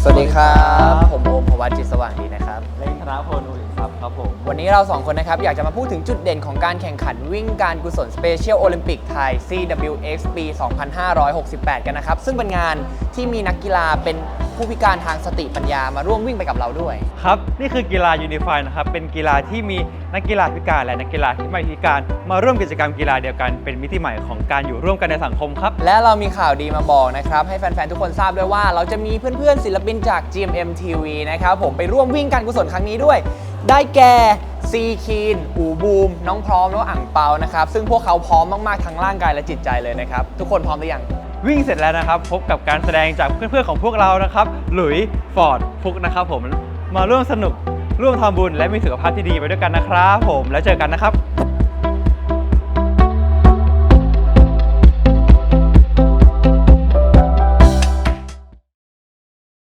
สวัสดีครับผมโอมพวัชจิตสว่างดีนะครับเล่นธนพลอุลินทรัพย์ครับผมวันนี้เราสองคนนะครับอยากจะมาพูดถึงจุดเด่นของการแข่งขันวิ่งการกุศล Special Olympic Thai CWX ปี 2568 กันนะครับซึ่งเป็นงานที่มีนักกีฬาเป็นผู้พิการทางสติปัญญามาร่วมวิ่งไปกับเราด้วยครับนี่คือกีฬายูนิฟายนะครับเป็นกีฬาที่มีนักกีฬาพิการและนักกีฬาที่ไม่พิการมาร่วมกิจกรรมกีฬาเดียวกันเป็นมิติใหม่ของการอยู่ร่วมกันในสังคมครับและเรามีข่าวดีมาบอกนะครับให้แฟนๆทุกคนทราบด้วยว่าเราจะมีเพื่อนๆศิลปินจาก GMM TV นะครับผมไปร่วมวิ่งการกุศลครั้งนี้ด้วย ได้แก่ซีคีนอูบูมน้องพร้อมแล้วก็อั่งเปานะครับซึ่งพวกเขาพร้อมมากๆทั้งร่างกายและจิตใจเลยนะครับทุกคนพร้อมหรือยังวิ่งเสร็จแล้วนะครับพบกับการแสดงจากเพื่อนๆของพวกเรานะครับหลุยฟอร์ดฟุกนะครับผมมาร่วมสนุกร่วมทำบุญและมีสุขภาพที่ดีไปด้วยกันนะครับผมแล้วเจอกันนะครับ